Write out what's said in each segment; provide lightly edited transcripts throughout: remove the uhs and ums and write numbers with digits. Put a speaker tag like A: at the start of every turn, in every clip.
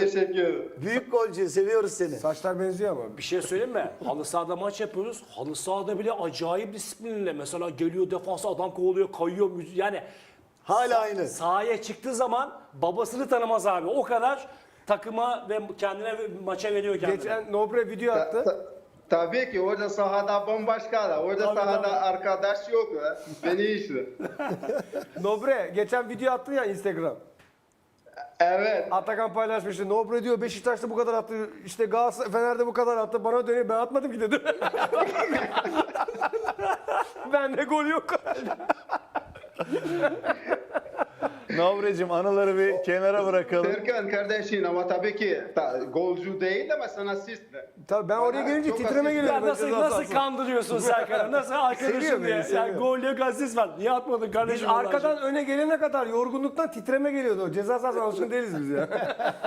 A: teşekkür ederim.
B: Büyük golcü, seviyoruz seni.
C: Saçlar benziyor ama.
D: Bir şey söyleyeyim mi? Halı sahada maç yapıyoruz. Halı sahada bile acayip disiplinle. Mesela geliyor defansa adam kovalıyor, kayıyor. Yani
B: Hala aynı.
D: sahaya çıktığı zaman babasını tanımaz abi. O kadar takıma ve kendine maça veriyor kendini.
C: Geçen Nobre video attı.
A: Tabii ki orada sahada bambaşka da. Orada
D: Tabii,
A: sahada
D: tabii.
A: arkadaş yok. Beni işte.
C: Nobre geçen video attı ya Instagram.
A: Evet.
C: Atakan paylaşmıştı. Nobre diyor Beşiktaş'ta bu kadar attı. İşte Galatasaray Fener'de bu kadar attı. Bana dönüyor. Ben atmadım ki dedim. Bende gol yok.
E: Nobre'cim anıları bir kenara bırakalım.
A: Serkan kardeşin ama tabii ki golcü değil ama sana asist de.
C: Tabii ben oraya gelince
A: Çok
C: titreme
A: asist.
C: geliyor.
D: Ya nasıl kandırıyorsun Serkan'ı? Nasıl arkadaşım
C: Seviyor
D: diye?
C: beni, seviyor.
D: Yani gol yok, asist var. Niye atmadın
C: Biz
D: kardeşim?
C: arkadan öne gelene kadar yorgunluktan titreme geliyordu. Ceza sahasına alışkın değiliz biz ya.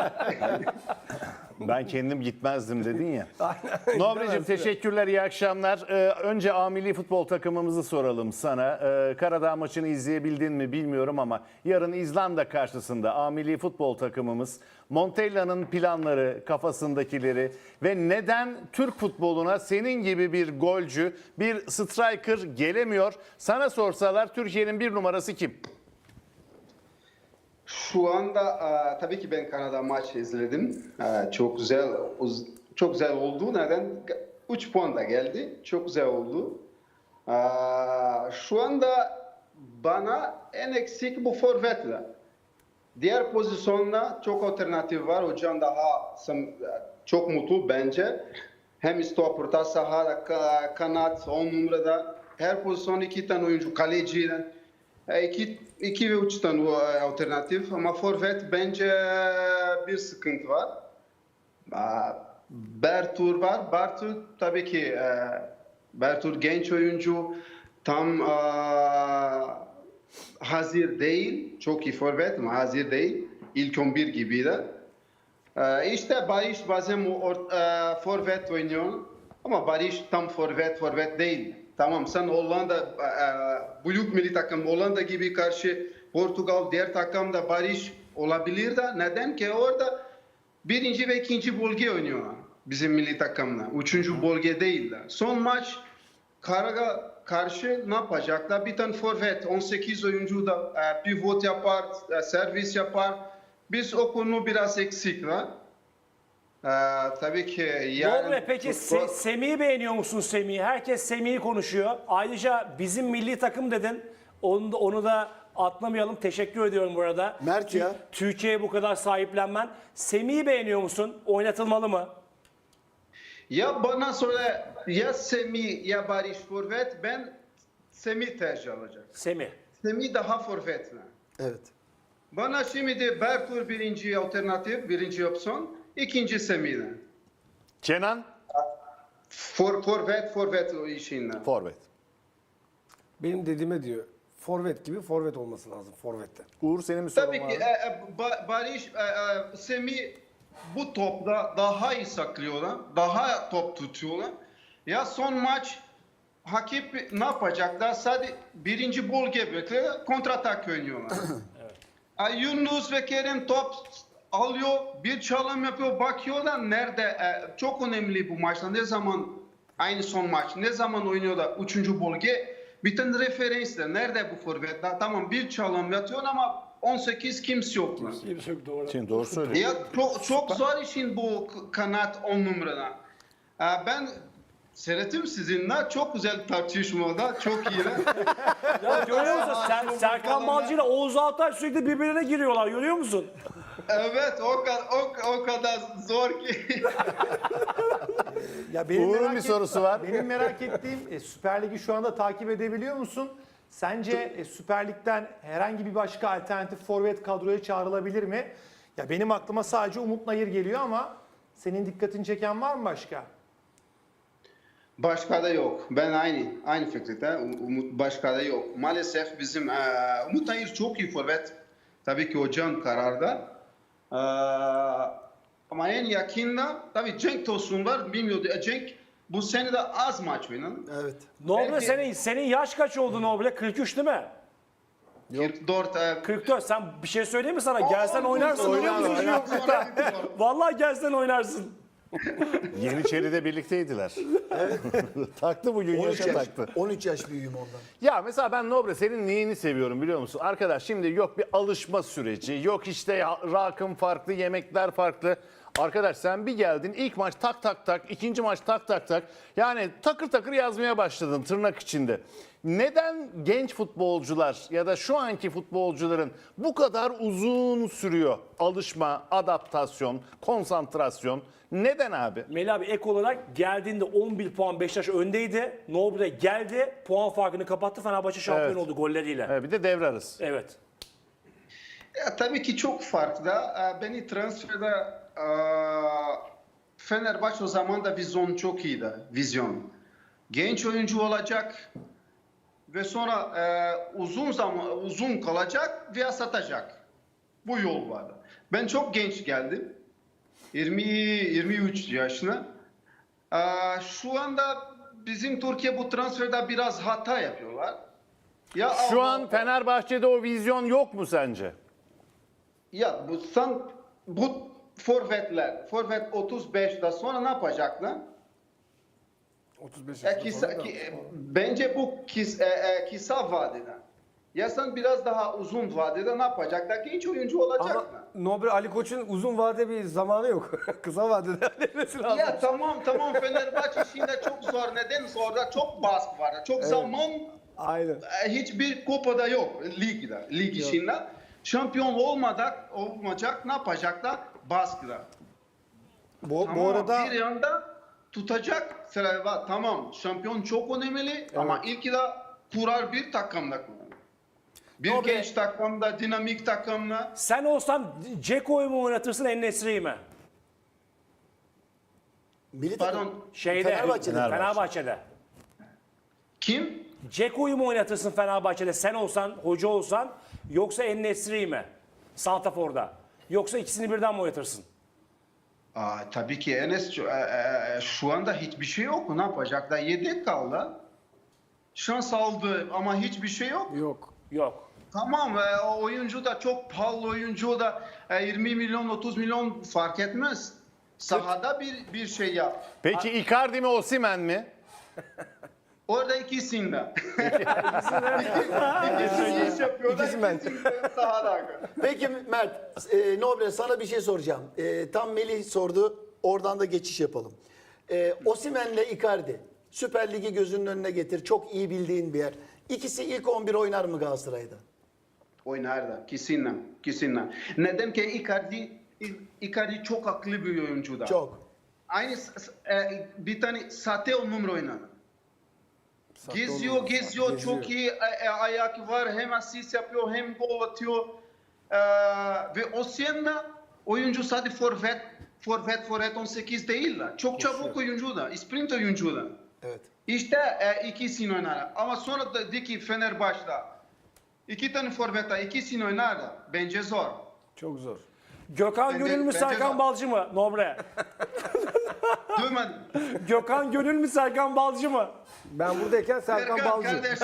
E: Ben kendim gitmezdim dedin ya. Nobre'cim teşekkürler, iyi akşamlar. Önce A Milli Futbol takımımızı soralım sana. Karadağ maçını izleyebildin mi bilmiyorum ama yarın İzlanda karşısında A Milli Futbol takımımız Montella'nın planları, kafasındakileri ve neden Türk futboluna senin gibi bir golcü, bir striker gelemiyor? Sana sorsalar Türkiye'nin bir numarası kim?
A: Şu anda tabii ki ben Kanada maçı izledim. Çok güzel oldu. Neden? 3 puan da geldi. Çok güzel oldu. Şu anda bana en eksik bu forvetler. Diğer pozisyonda çok alternatif var. Hocam daha çok mutlu bence. Hem stop orta sahada, kanat, 10 numarada. Her pozisyon 2 tane oyuncu, kaleciden. 2 ve 3 tane alternatif ama forvet bence bir sıkıntı var. Bertur var. Bertur tabii ki Bertur genç oyuncu. Tam hazır değil. Çok iyi forvet ama hazır değil. İlk 11 gibi de. İşte Barış bazen forvet oynuyor. Ama Barış tam forvet değil. Tamam sen Hollanda büyük milli takım Hollanda gibi karşı Portugal diğer takımda Barış olabilir de neden ki orada birinci ve ikinci bölge oynuyorlar bizim milli takımla. Üçüncü bölge değiller. Son maç Karag'a karşı ne yapacaklar? Bir tane forvet 18 oyuncu da pivot yapar, servis yapar. Biz o konu biraz eksik var. Tabii ki yani...
D: Nobre peki Semih'i beğeniyor musun Semih'i? Herkes Semih'i konuşuyor. Ayrıca bizim milli takım dedin. Onu da atlamayalım. Teşekkür ediyorum bu arada.
B: Mert ya.
D: Türkiye'ye bu kadar sahiplenmen. Semih'i beğeniyor musun? Oynatılmalı mı?
A: Ya bana söyle ya Semih ya Barış forvet ben Semih tercih alacağım.
D: Semih.
A: Semih daha forvet mi?
B: Evet.
A: Bana şimdi de Bertur birinci alternatif, birinci opsiyon, ikinci Semih'den.
E: Kenan?
A: Forvet o işinden.
E: Forvet.
C: Benim dediğime diyor. Forvet gibi forvet olması lazım forvette.
E: Uğur senin bir sorun
A: Tabii
E: var
A: ki
E: mı?
A: Barış, Semih bu topla daha iyi saklıyorlar, daha top tutuyorlar. Ya son maç Hakip ne yapacaklar? Sadece birinci bölge bekliyor, kontratak oynuyorlar. Yunus ve Kerem top alıyor, bir çalım yapıyor, bakıyorlar nerede? Çok önemli bu maçta. Ne zaman aynı son maç, ne zaman oynuyorlar? Üçüncü bölge. Bir tane referanslar. Nerede bu forvetler? Tamam bir çalım yatıyor ama 18 kimse yok.
D: Kimse yok doğru.
E: Şimdi doğru söylüyor.
A: Ya çok zor işin bu kanat 10 numarada. Ben seyrettim sizinle. Çok güzel tartışmada. Çok iyi.
D: Ya görüyor musun? Serkan Balcı ile Oğuz Altay sürekli birbirine giriyorlar. Görüyor musun?
A: Evet o kadar zor ki.
F: Ya
E: Uğur'un bir sorusu var.
F: Benim merak ettiğim Süper Lig'i şu anda takip edebiliyor musun? Sence Süper Lig'den herhangi bir başka alternatif forvet kadroya çağrılabilir mi? Ya benim aklıma sadece Umut Nayır geliyor ama senin dikkatini çeken var mı başka?
A: Başka da yok. Ben aynı fikirde. Umut başka da yok. Maalesef bizim Umut Nayır çok iyi forvet. Tabii ki hocam kararda. Ama en yakında tabii Cenk Tosun var. Bilmiyordu. Cenk bu sene de az maç oynadı.
B: Evet.
D: Nobre
A: Belki-
D: senin yaş kaç oldu Nobre? 43 değil mi?
A: 44
D: 44 sen bir şey söyleyeyim mi sana? Gelsen oynarsın biliyor musun? Vallahi gelsen oynarsın.
E: Yeniçeri'de birlikteydiler. Taktı bugün
B: 13
E: yaşa
B: yaş,
E: taktı.
B: 13 yaş büyüğüm ondan.
E: Ya mesela ben Nobre senin neyini seviyorum biliyor musun? Arkadaş şimdi yok bir alışma süreci, yok işte rakım farklı, yemekler farklı. Arkadaş sen bir geldin ilk maç tak tak tak, ikinci maç tak tak tak. Yani takır takır yazmaya başladın tırnak içinde. Neden genç futbolcular ya da şu anki futbolcuların bu kadar uzun sürüyor alışma, adaptasyon, konsantrasyon? Neden abi?
D: Melih abi ek olarak geldiğinde 11 puan Beşiktaş öndeydi. Nobre geldi, puan farkını kapattı. Fenerbahçe şampiyon
E: Evet.
D: oldu golleriyle.
E: Evet, bir de devre arası.
D: Evet.
A: tabii ki çok farklı. Beni transferde Fenerbahçe o zaman da vizyon çok iyiydi. Vizyon. Genç oyuncu olacak ve sonra uzun kalacak veya satacak. Bu yol vardı. Ben çok genç geldim. 23 yaşına. Şu anda bizim Türkiye bu transferde biraz hata yapıyorlar. Ya
E: Şu an Fenerbahçe'de o vizyon yok mu sence?
A: Ya bu forvetler, forvet 35'te sonra ne yapacaklar?
C: 35
A: Bence bu kısa vadede. Ya sen biraz daha uzun vadede ne yapacaklar? Genç oyuncu olacaklar.
C: Ama Nobre Ali Koç'un uzun vade bir zamanı yok. Kısa vadede halletmesi lazım.
A: Ya tamam Fenerbahçe şimdi çok zor. Neden zor? Çok baskı var. Çok zaman
C: Aynen.
A: hiçbir kupada yok ligde. Lig içinde. Şampiyon olmayacak ne yapacaklar? Baskıda.
F: Bu arada
A: bir yanda tutacak sıra var. Tamam şampiyon çok önemli ama ilk de kurar bir takımda kurar. Bir
D: Nobre-
A: genç takımda, dinamik takımda.
D: Sen olsan Ceko'yu mu oynatırsın En-Nesyri'yi mi?
B: Milli takım.
A: Pardon,
D: Fenerbahçe'de.
A: kim?
D: Ceko'yu mu oynatırsın Fenerbahçe'de sen olsan, hoca olsan yoksa En-Nesyri'yi mi? Santrafor'da. Yoksa ikisini birden mi oynatırsın?
A: Tabii ki Enes şu anda hiçbir şey yok. Ne yapacaklar? Yedek kaldı. Şans aldı ama hiçbir şey yok.
D: Yok.
A: Tamam o oyuncu da çok pahalı oyuncu da 20 milyon 30 milyon fark etmez. Sahada bir şey yap.
E: Peki Icardi mi Osimhen mi?
A: Orada ikisinde. İkisi iş yapıyorlar.
C: İkisi ben.
A: İkisi de sahada.
B: Peki Mert, Nobre sana bir şey soracağım. Tam Melih sordu, oradan da geçiş yapalım. Osimhen'le Icardi, Süper Lig'i gözünün önüne getir. Çok iyi bildiğin bir yer. İkisi ilk 11 oynar mı Galatasaray'da?
A: Oynar da kesinle. Neden ki Icardi çok akıllı bir oyuncu da.
B: Çok.
A: Aynı bir tane sahte numara oynar. Geziyor çok iyi ayak var hem asist yapıyor hem gol atıyor. Ve Osimhen oyuncu sadece forvet 18 değil la. Çok çabuk oyuncu da, sprint oyuncu da.
B: Evet.
A: İşte ikisini oynar. Ama sonra da dedi ki Fenerbahçe'da iki tane forveta ikisini oynar da bence zor.
C: Çok zor.
D: Gökhan
A: Bence-
D: Gönül mü
A: bence
D: Serkan
A: zor.
D: Balcı mı Nobre?
A: Duymadın.
D: Gökhan Gönül mü Serkan Balcı mı?
C: Ben buradayken Serkan Balcı.
A: kardeşim.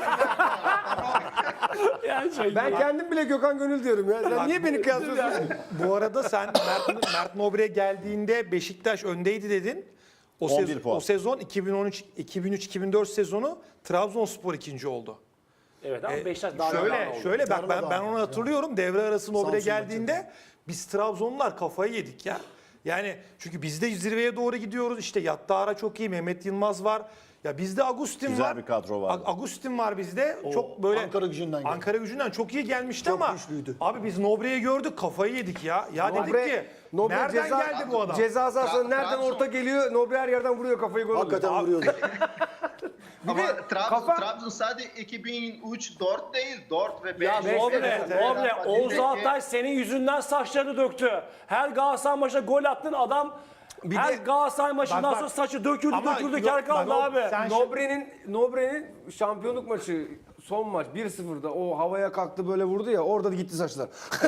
D: Yani şey,
C: Ben kendim bile Gökhan Gönül diyorum ya. Sen niye beni kıyaslıyorsun?
F: bu arada sen Mert Nobre geldiğinde Beşiktaş öndeydi dedin.
E: 11 puan.
F: O sezon 2003-2004 sezonu Trabzonspor ikinci oldu.
D: Evet ama Beşiktaş daha önemli oldu.
F: Şöyle bak ben
B: Darmadağın
F: onu hatırlıyorum. Devre arası Nobre
B: Samsun
F: geldiğinde biz Trabzonlular kafayı yedik ya. Yani çünkü biz de zirveye doğru gidiyoruz. İşte Yattara çok iyi, Mehmet Yılmaz var. Ya bizde Agustin
E: Güzel
F: var.
E: bir kadro var.
F: Agustin var bizde.
B: O
F: Çok böyle
B: Ankaragücü'nden geldi.
F: Ankaragücü'nden çok iyi gelmişti
B: Çok
F: ama
B: güçlüydü.
F: abi biz Nobre'yi gördük, kafayı yedik ya. Ya dedik ki
C: Nobre
F: nereden geldi bu adam?
C: Ceza sahasına nereden
A: Trabzon.
C: orta geliyor? Nobre her yerden vuruyor kafayı gol oluyor.
B: Hakikaten vuruyordu.
A: Ama
C: de kafa-
A: Trabzon sadece 2003-4 değil 4 ve 5.
D: Ya Nobre, Nobre, Oğuz
A: Peki,
D: Altay senin yüzünden saçlarını döktü. Her Galatasaray maçında gol attın adam. Her Galatasaray maçından
F: bak,
D: sonra saçı döküldü
F: ama
D: döküldü
F: yok,
D: kel kaldı
F: bak,
D: abi.
F: sen-
C: Nobre'nin şampiyonluk maçı son maç 1-0'da o havaya kalktı böyle vurdu ya orada da gitti saçlar.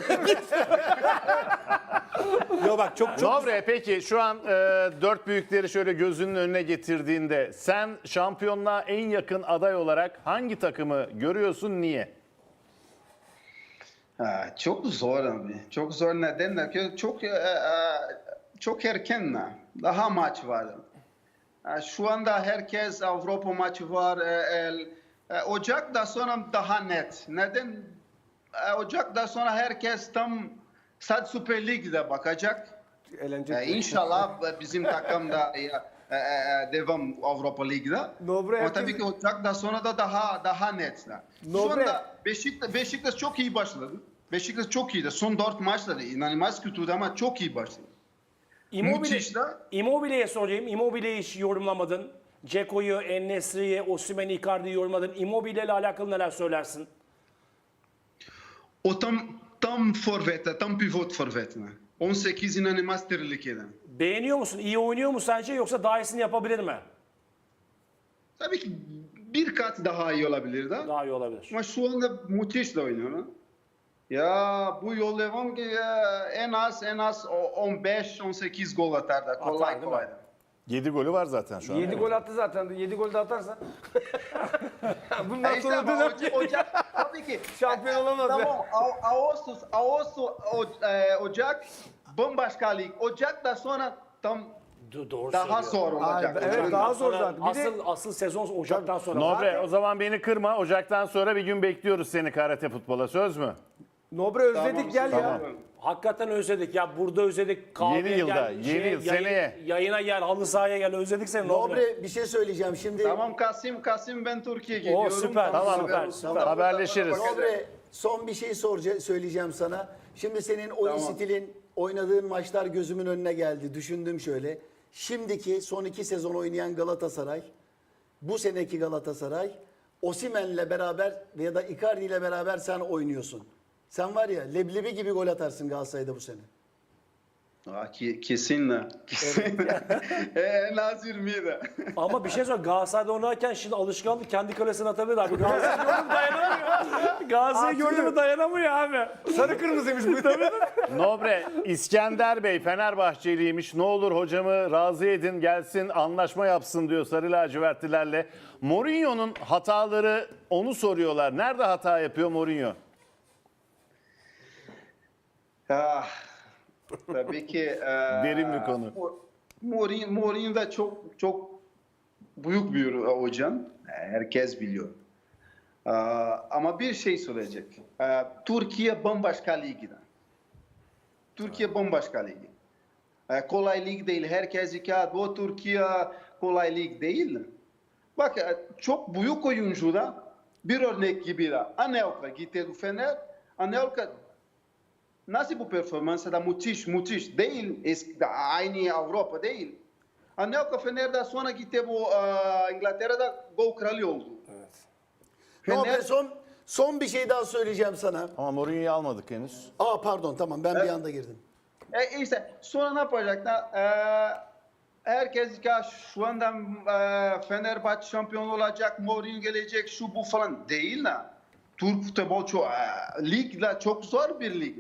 F: Yo bak çok
E: Nobre peki şu an dört büyükleri şöyle gözünün önüne getirdiğinde sen şampiyonluğa en yakın aday olarak hangi takımı görüyorsun niye?
A: Çok zor abi. Çok zor neden? Çok erken. Daha maç var. Şu anda herkes Avrupa maçı var. Ocak'ta sonra daha net. Neden? Ocak'ta sonra herkes tam sadece Süper Lig'de bakacak.
C: Eğlenceli.
A: İnşallah bizim takım da devam Avrupa Lig'de.
C: Nobre
A: Ama tabii ki Ocak'ta sonra da daha net. Şu
C: Nobre.
A: anda Beşiktaş çok iyi başladı. Beşiktaş çok iyiydi. Son 4 maçları inanılmaz kötüydü ama çok iyi başladı. Müthiş de.
D: Immobile'ye sorayım. Immobile'yi hiç yorumlamadın. Ceko'yu, En-Nesyri'yi, Osimhen'i, Icardi'yi yorumladın. Immobile ile alakalı neler söylersin?
A: O tam forvet, tam pivot forvet. 18 inanılmaz tehlikeli.
D: Beğeniyor musun? İyi oynuyor mu sence yoksa daha iyisini yapabilir mi?
A: Tabii ki bir kat daha iyi olabilir de.
D: Daha iyi olabilir.
A: Ama şu anda müthiş de oynuyor. Ya bu yol devam ki en az 15-18 gol atar da kolay
D: değil mi?
A: kolay da.
E: 7 golü var zaten şu an.
C: 7 gol attı zaten. 7 gol de atarsa. Bundan
A: İşte
C: sonra
A: ama
C: dönem
A: Ocak tabii ki.
C: şampiyon olamaz ya.
A: Tamam Ocak bambaşka lig. Ocak'ta sonra tam
D: Doğru
A: daha
D: söylüyor.
A: zor olacak.
C: Evet, daha zor zaten. Bir de
D: Asıl sezon Ocak'tan sonra.
E: Nobre o zaman beni kırma. Ocaktan sonra bir gün bekliyoruz seni karate futbola. Söz mü?
C: Nobre özledik gel ya.
E: Tamam.
D: Hakikaten özledik ya. Burada özledik. Kahveye
E: Yeni yılda,
D: gel,
E: yeni yıl, seneye.
D: Yayına gel, halı sahaya gel. Özledik seni Nobre.
B: Nobre bir şey söyleyeceğim şimdi.
A: Tamam Kasım ben Türkiye'ye gidiyorum.
D: süper,
E: Tamam,
D: süper.
E: Haberleşiriz.
B: Nobre son bir şey söyleyeceğim sana. Şimdi senin oyun
A: Tamam.
B: stilin, oynadığın maçlar gözümün önüne geldi. Düşündüm şöyle. Şimdiki son 2 sezon oynayan Galatasaray, bu seneki Galatasaray, Osimhen'le beraber ya da Icardi ile beraber sen oynuyorsun. Sen var ya leblebi gibi gol atarsın Galatasaray'da bu sene.
A: Kesinle. En az 20 de.
D: Ama bir şey söyle. Galatasaray'da oynarken şimdi alışkanlık kendi kalesine atabilir abi. Galatasaray'ı gördü mü dayanamıyor. Galatasaray'ı gördü mü dayanamıyor abi.
C: Sarı kırmızıymış bu tabii.
E: Nobre, İskender Bey Fenerbahçeliymiş. Ne olur hocamı razı edin gelsin anlaşma yapsın diyor Sarı lacivertlilerle. Mourinho'nun hataları onu soruyorlar. Nerede hata yapıyor Mourinho?
A: Tabii ki
E: Derin bir konu.
A: Mourinho da çok büyük bir hocam. Herkes biliyor. Ama bir şey söyleyecek. Türkiye bambaşka ligde. Türkiye bambaşka ligi. Kolay lig değil. Herkes bu Türkiye kolay lig değil. Bak çok büyük oyuncu da bir örnek gibi de. Anelka gitti Fener. Anelka nasıl bu performansı da müthiş değil. Aynı Avrupa değil. Anelka Fener'de sonra gitti bu İngiltere'de gol kralı oldu.
B: Nobre son bir şey daha söyleyeceğim sana.
E: Ama Mourinho'yu almadık henüz.
B: Pardon tamam ben bir anda girdim.
A: İşte sonra ne yapacaklar? Herkes ya şu anda Fenerbahçe şampiyon olacak, Mourinho gelecek, şu bu falan değil la. Türk futbol ligde çok zor bir lig.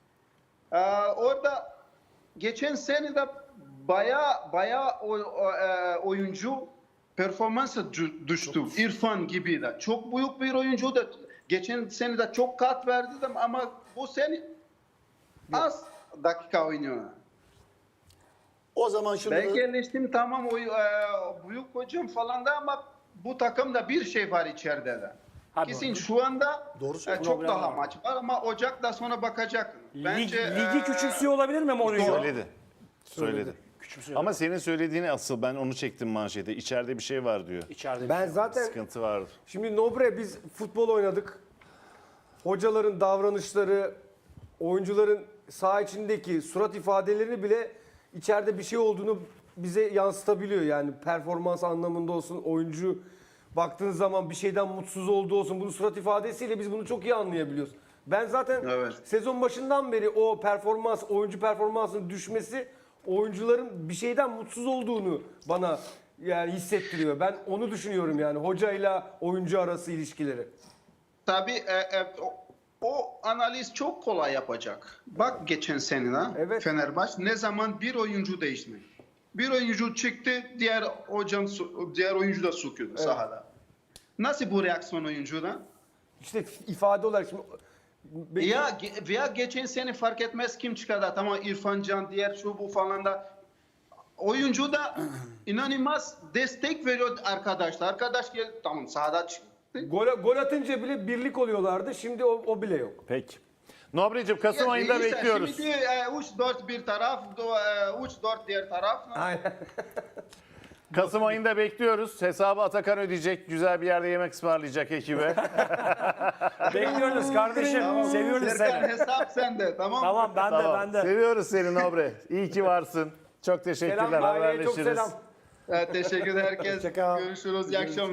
A: Orada geçen sene de baya oyuncu performansı düştü. İrfan gibi de. Çok büyük bir oyuncu da. Geçen sene de çok kat verdi de ama bu sene az dakika oynuyor.
B: O zaman şunu
A: Ben geliştim tamam büyük hocam falan da ama bu takımda bir şey var içeride de. Kesin şu anda
B: Doğru söylüyorsun.
A: çok
D: Problem
A: daha
D: var.
A: maç var ama Ocak'ta sonra bakacak. Bence
D: Ligi küçümsüyor olabilir mi Mourinho?
E: Söyledi.
D: Küçümsüyor.
E: Ama senin söylediğini asıl ben onu çektim manşete. İçeride bir şey var diyor.
D: İçeride.
C: Ben zaten
E: Sıkıntı vardı.
C: şimdi Nobre biz futbol oynadık. Hocaların davranışları, oyuncuların saha içindeki surat ifadelerini bile içeride bir şey olduğunu bize yansıtabiliyor. Yani performans anlamında olsun, oyuncu baktığınız zaman bir şeyden mutsuz olduğu olsun. Bunun surat ifadesiyle biz bunu çok iyi anlayabiliyoruz. Ben zaten
A: Evet.
C: sezon başından beri o performans, oyuncu performansının düşmesi oyuncuların bir şeyden mutsuz olduğunu bana yani hissettiriyor. Ben onu düşünüyorum yani hocayla oyuncu arası ilişkileri.
A: tabii o analiz çok kolay yapacak. Bak geçen sene
C: Evet.
A: Fenerbahçe ne zaman bir oyuncu değişti. Bir oyuncu çıktı, diğer oyuncu da sokuyordu sahada. Nasıl bu reaksiyon oyuncuda?
C: İşte ifade olarak şimdi
A: Veya geçen sene fark etmez kim çıkardı. Tamam İrfan Can, diğer şu bu falan da. Oyuncu da inanılmaz destek veriyor arkadaşlar. Arkadaş gel tamam sahada çıktı.
C: Gol atınca bile birlik oluyorlardı. Şimdi o bile yok.
E: Peki. Nobri'cim Kasım ayında
A: İşte
E: bekliyoruz.
A: Şimdi 3-4 bir taraf, 3-4 diğer taraf.
C: Aynen.
E: Kasım ayında bekliyoruz. Hesabı Atakan ödeyecek. Güzel bir yerde yemek ısmarlayacak ekibe.
D: Bekliyoruz kardeşim. Seviyoruz
A: Serkan
D: seni.
A: hesap sende tamam mı?
D: Tamam ben de
E: Tamam.
D: ben de.
E: Seviyoruz seni Nobre. İyi ki varsın. Çok teşekkürler.
C: Selam aileye, çok
E: Haberleşiriz.
C: selam.
A: Teşekkür ederim herkes.
F: Hoşça kal.
A: Görüşürüz. İyi akşamlar.